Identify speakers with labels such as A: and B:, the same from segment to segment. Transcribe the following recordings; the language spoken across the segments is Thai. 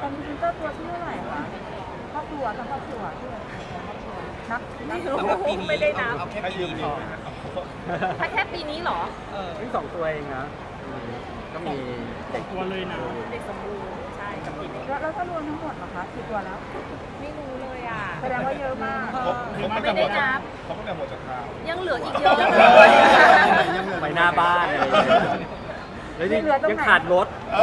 A: อนนี้พรีเซนเตอร์ตัวที่เท่าไหร่คะครอบครัวทั้งครอบครัวนับไม่รู้
B: สำหรับปีนี้
C: ไม่ได้นับ
B: เอาแค่ปีนี้พอ
C: ถ้าแค่ปีนี้เหรอ
D: เพิ่ง2 ตัวเองนะก็มีเด็ก
E: ตัวเลยนะ
C: เด็กสมบูรณ์ใช่กับปีนี้
A: แล้วถ้ารวมทั้งหมดเหรอคะกี่ตัวแล้ว
C: ไม่รู้เลยอ่ะ
A: แสดงว่าเยอะมาก
C: ไม่ได้นับ
B: เขาก็แต่หัวจากข่าว
C: ยังเหลืออีกเยอะเลย
D: ไปหน้าบ้านอะไรอย่างเงี้ยแล้วนี่ยังขาดรถ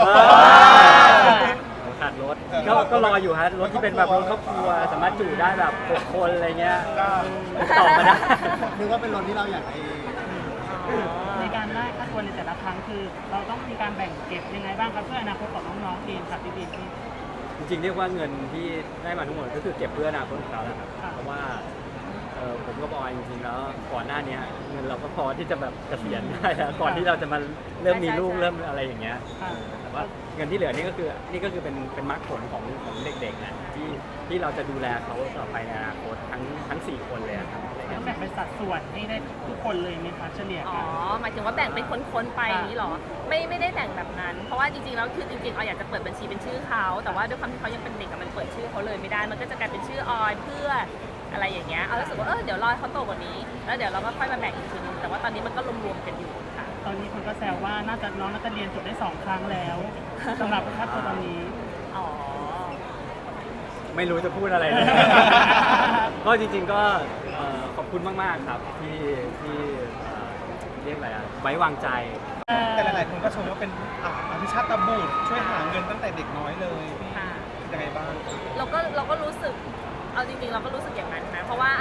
D: ขาดรถก็รออยู่ฮะรถที่เป็นแบบรถครอบครัวสามารถจุได้แบบ6 คนอะไรเงี้ยต่อมาได้
F: นึกว่าเป็นรถที่เราอยากได้
E: ในการได้ค่าตัวในแต่ละครั้งคือ เราต้องมีการแบ่งเก็บยังไงบ้างครับเพื่ออนาคตของน้องๆเองครับพี่บีพี่
D: จริงๆเรียกว่าเงินที่ได้มาทั้งหมดก็คือเก็บเพื่ออนาคตของเขาแหละครับ
E: ค่ะ
D: เพราะว่าผมก็บอกจริงๆแล้วก่อนหน้านี้เงินเราก็พอที่จะแบบเกษียณได้แล้วก่อนที่เราจะมาเริ่มมีลูกเริ่มอะไรอย่างเงี้ย
E: ค่ะ
D: แต่ว่าเงินที่เหลือนี่ก็คือเป็นมรรคผลของเด็กๆนะที่เราจะดูแลเขาต่อไปในอนาคตทั้ง4 คนเลยอะครับอะไร
E: ต้
D: เงี้
E: อย งแบ่งเป็นสัดส่วนให้ได้ทุกคนเลยไหมคะเฉลี่ย
C: อ๋อ
E: กัน
C: หมายถึงว่าแบ่งเป็นคนๆไปอย่างนี้เหรอ ไม่ได้แบ่งแบบนั้น เพราะว่าจริงๆแล้วคือจริงๆออยอยากจะเปิดบัญชีเป็นชื่อเขาแต่ว่าด้วยความที่เขายังเป็นเด็กอะมันเปิดชื่อเขาเลยไม่ได้ มันก็จะกลายเป็นชื่อออยเพื่ออะไรอย่างเงี้ย เอารู้สึกว่าเดี๋ยวรอให้เขาโตกว่านี้ แล้วเดี๋ยวเราก็ค่อยมาแบ่งอีกทีนึง แต่ว่าตอนนี้มันก็รวมๆกันอยู่ค่ะ
E: ตอนนี้คนก็แซวว่าน้องน่าจะเรียนจบได้2 ครั้งแล้วสำหรับค่าตัวตอนนี้
C: อ๋อ
D: ไม่รู้จะพูดอะไรเลย ก็จริงๆก็ขอบคุณมากๆครับที่เรียกอะไรอะไว้วางใจ
B: แต่หลายๆคนก็ชมว่าเป็นอภิชาติบุตรช่วยหาเงินตั้งแต่เด็กน้อยเลยพี่
C: ค่ะ
B: ยังไงบ้าง
C: เราก็รู้สึก เอาจริงๆเราก็รู้สึกอย่างนั้นนะ เพราะว่า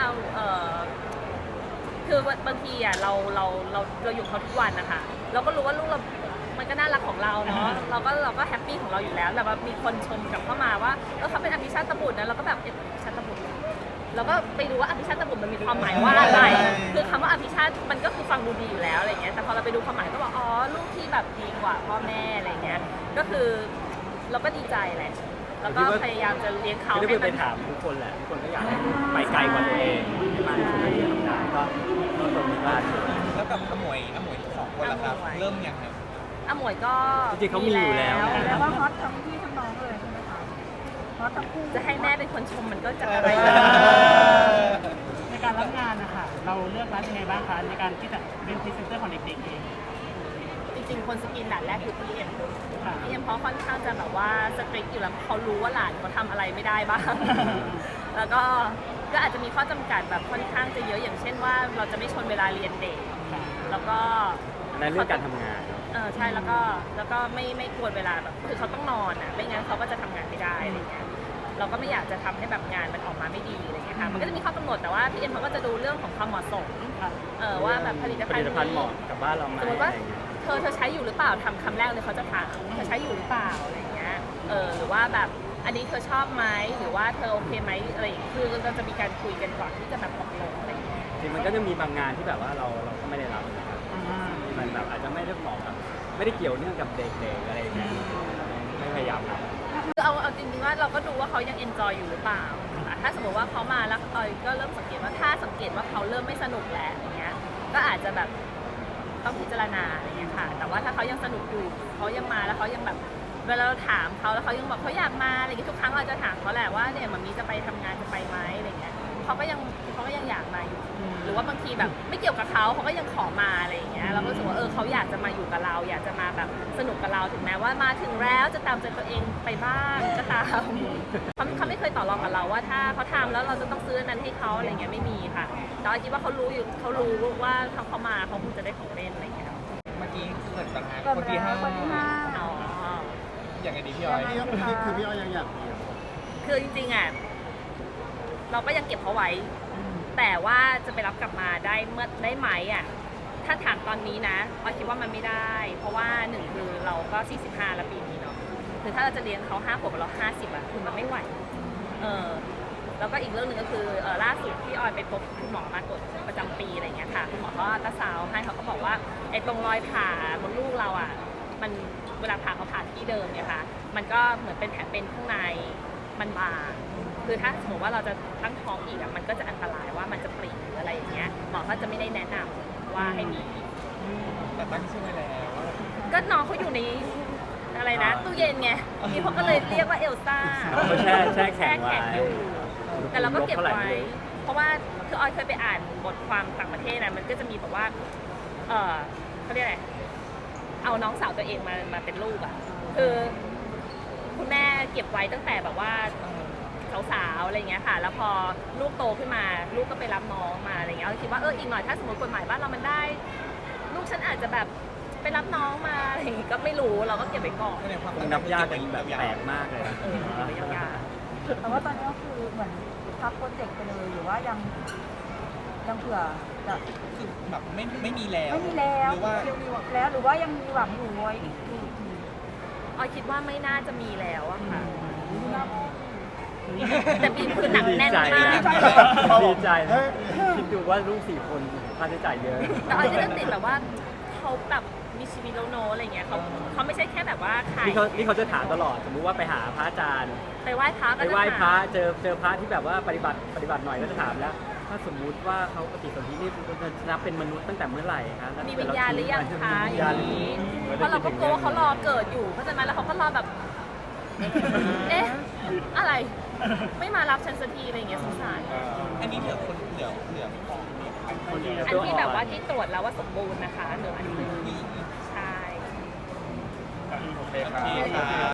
C: คือบางทีอ่ะเราอยู่เขาทุกวันนะคะเราก็รู้ว่าลูกเรา มันก็น่ารักของเราเนาะ เราก็แฮปปี้ของเราอยู่แล้ว แต่ว่ามีคนชมกลับเข้ามาว่าเขาเป็นอภิชาติบุตรนะเราก็แบบอภิชาติบุตรเราก็ไปดูว่าอภิชาติบุตรมันมีความหมายว่าอะไร คือคำว่าอภิชาติมันก็คือฟังดูดีอยู่แล้วอะไรเงี้ย แต่พอเราไปดูความหมายก็บอกอ๋อลูกที่แบบดีกว่าพ่อแม่อะไรเงี้ย ก็คือเราก็ดีใจแหละ แล้วก็พยายามจะเลี้ยงเขา
D: ไม่ได้
C: ให้
D: ไป
C: มัน
D: ถามทุกคนแหละทุกคนก็อยากให้ไปไกลกว่าตัวเองให้มากที่สุดเท่าที่จะทำได้ก็ตรงนี้ว่า
B: แล้วกับอมวย2 คนล่ะครับ เริ่มยังครับ
C: หมวยก็
D: จริงๆเขามีอยู่แล้ว
A: แล้วว่าฮอตทั้งพี่ทั้งน้องเลยใช่ไหมคะฮอตทั้งคู่
C: จะให้แม่เป็นคนชมมันก็จะอะไร
E: ในการรับงานนะคะเราเลือกรับยังไงบ้างคะในการที่จะเป็นพรีเซนเตอร์ของเด็กๆเอง
C: จริงๆคนสกินด่านแรกคือพี่เอ็ม
E: ค่ะ
C: พี่เอ็มเพราะค่อนข้างจะแบบว่าสตริกอยู่แล้วเขารู้ว่าหลานเขาทำอะไรไม่ได้บ้าง แล้วก็อาจจะมีข้อจำกัดแบบค่อนข้างจะเยอะอย่างเช่นว่าเราจะไม่ชนเวลาเรียนเด็ก แล้วก็
D: ในเรื่องการทำงาน
C: ใช่แล้วก็ไม่กวนเวลาแบบคือเขาต้องนอนอ่ะไม่งั้นเขาก็จะทำงานไม่ได้อะไรเงี้ยเราก็ไม่อยากจะทำให้แบบงานมันออกมาไม่ดีอะไรเงี้ยค่ะมันก็จะมีข้อกำหนดแต่ว่าพี่เอ็มเขาก็จะดูเรื่องของความเหมาะสมว่าแบบผลิตภัณฑ์
D: เหมาะกับบ้านเราไหม
C: สมมติ
D: อะ
C: ว่า
D: ไรอย่างเงี้ย
C: เธอใช้อยู่หรือเปล่าทำคำแรกเลยเขาจะถามเธอใช้อยู่หรือเปล่าอะไรเงี้ยหรือว่าแบบอันนี้เธอชอบไหมหรือว่าเธอโอเคไหมอะไรอย่างเงี้ยคือเราจะมีการคุยกันก่อนที่จะแบบตกลงอะไรเงี้ย
D: จริงมันก็จะมีบางงานที่แบบว่าเราก็ไม่ได้รับนะครับที่มันแบบอาจจะไม่ได้เหมาะกับไม่ได้เกี่ยวเนื่องกับเด็กๆอะไรอย่างเงี้ยไม่พยายามรับ
C: คือเอาจริงๆว่าเราก็ดูว่าเขายังเอนจอยอยู่หรือเปล่าถ้าสมมติว่าเขามาแล้วออยก็เริ่มสังเกตว่าถ้าสังเกตว่าเขาเริ่มไม่สนุกแล้วอย่างเงี้ยก็อาจจะแบบต้องพิจารณาอะไรเงี้ยค่ะแต่ว่าถ้าเขายังสนุกอยู่เขายังมาแล้วเขายังแบบเวลาเราถามเขาแล้วเขายังบอกเขาอยากมาอะไรเงี้ยทุกครั้งเราจะถามเขาแหละว่าเนี่ยมันมีจะไปทำงานจะไปไหมอะไรเงี้ยเขาก็ยังอยากมาอยู่ หรือว่าบางทีแบบไม่เกี่ยวกับเขาก็ยังขอมาอะไรอย่างเงี้ยเราก็รู้สึกว่าเขาอยากจะมาอยู่กับเราอยากจะมาแบบสนุกกับเราถึงแม้ว่ามาถึงแล้วจะตามใจตัวเองไปบ้างก็ตามเขาไม่เคยต่อรองกับเราว่าถ้าเขาทำแล้วเราจะต้องซื้อนั้นให้เขาอะไรเงี้ยไม่มีค่ะแต่คิดว่าเขารู้ว่าถ้าเขามาเขาคงจะได้ของเล่นอะไรเงี้ย
B: เมื่อกี้เกิดปัญหา
A: เกิด
B: คนที่
A: แล้วคนที่ห้า
C: อ๋อ
B: อย่างไงดีพี่อ้อย
F: คือพี่อ้อยยังอยากมี
C: คือจริงๆอ่ะเราก็ยังเก็บเขาไว้ แต่ว่าจะไปรับกลับมาได้ไหมอ่ะถ้าถามตอนนี้นะออยคิดว่ามันไม่ได้ เพราะว่าหนึ่งคือเราก็45แล้วปีนี้เนาะคือถ้าเราจะเลี้ยงเขา5 ขวบกับเรา50อ่ะคือมันไม่ไหวแล้วก็อีกเรื่องหนึ่งก็คือล่าสุดที่ออยไปพบคุณหมอมาตรวจประจำปีอะไรเงี้ยค่ะคุณหมอเขาอัลตราซาวด์ให้เขาก็บอกว่าไอ้ตรงรอยผ่าบนลูกเราอ่ะมันเวลาผ่าเขาผ่าที่เดิมเนี่ยค่ะมันก็เหมือนเป็นแผลเป็นข้างในมันบางคือถ้าสมมติว่าเราจะตั้งท้องอีกอ่ะมันก็จะอันตรายว่ามันจะปริหรืออะไรอย่างเงี้ยหมอก็จะไม่ได้แนะนำว่าให้มี
B: แต่ตั้งชื่อไว้แล้ว
C: ก็น้องเขาอยู่ในอะไรนะตู้เย็นไงนี่เขาก็เลยเรียกว่าเอลซ่า
D: เขาแช่แข็งไว้
C: อยู่แต่เราก็เก็บไว้ เพราะว่าคือออยเคยไปอ่านบทความต่างประเทศนะมันก็จะมีแบบว่าเขาเรียกอะไรเอาน้องสาวตัวเองมาเป็นลูกอ่ะคือคุณแม่เก็บไว้ตั้งแต่แบบว่าสาวๆอะไรเงี้ยค่ะแล้วพอลูกโตขึ้นมาลูกก็ไปรับน้องมาอะไรเงี้ยเราคิดว่าอีกหน่อยถ้าสมมติกฎหมายบ้านเรามันได้ ลูกฉันอาจจะแบบไปรับน้องมาอะไรอย่างงี้ก็ไม่รู้เราก็เก็บไว้ก่อน
D: คงนับยากกันแบบแปลกมากเลยนะ
C: เก็บไว้ยาว
A: แต่ว่าตอนนี้ก็คือเหมือนพับโปรเจกต์ไปเลยหรือว่ายังเผื่อจะ
B: คือแบบไม่มีแล้ว
A: ไม่มีแล้ว
B: หรือว่า
A: แล้วหรือว่ายังมีหวังอยู่ไว้อีกที
C: ออยคิดว่าไม่น่าจะมีแล้วอะค่ะ
A: ที่หน้าพ่อ
C: แต่บีมคือหนักแน่นมาก
D: ดีใจนะคิดดูว่าลูก4 คนค่าใช้จ่ายเยอะ
C: แต่ออยจะเริ่มติดแบบว่าเขาแบบมีชีวิตแล้วโนอะไรเงี้ยเขาไม่ใช่แค่แบบว่าขาย
D: นี่เขาจะถามตลอด สมมุติว่าไปหาพระอาจารย์
C: ไปไหว้พระ
D: ไป
C: ก็จะ
D: ไหว้พระ
C: ถาม
D: เจอพระที่แบบว่าปฏิบัติหน่อยก็จะถามแล้ว ถ้าสมมุติว่าเขาปฏิสนธินี่จะนับเป็นมนุษย์ตั้งแต่เมื่อไหร่คะแล้ว
C: มีวิญญาณหรือยังคะ
D: วิญญาณหรือ
C: นี้
D: ยัง
C: เพราะเราก็กลัวว่าเขารอเกิดอยู่เข้าใจไหมแล้วเขาก็รอแบบเอ๊ะอะไร ไม่มารับฉันสักทีอะไรเงี้ยสงสาร
B: อันนี้เหลือคนเหลือพอ
D: คนเดียว
C: อันที่แบบว่าที่ตรวจแล้วว่าสมบูรณ์นะคะเหลืออันนึงใช่
B: โอเคครับ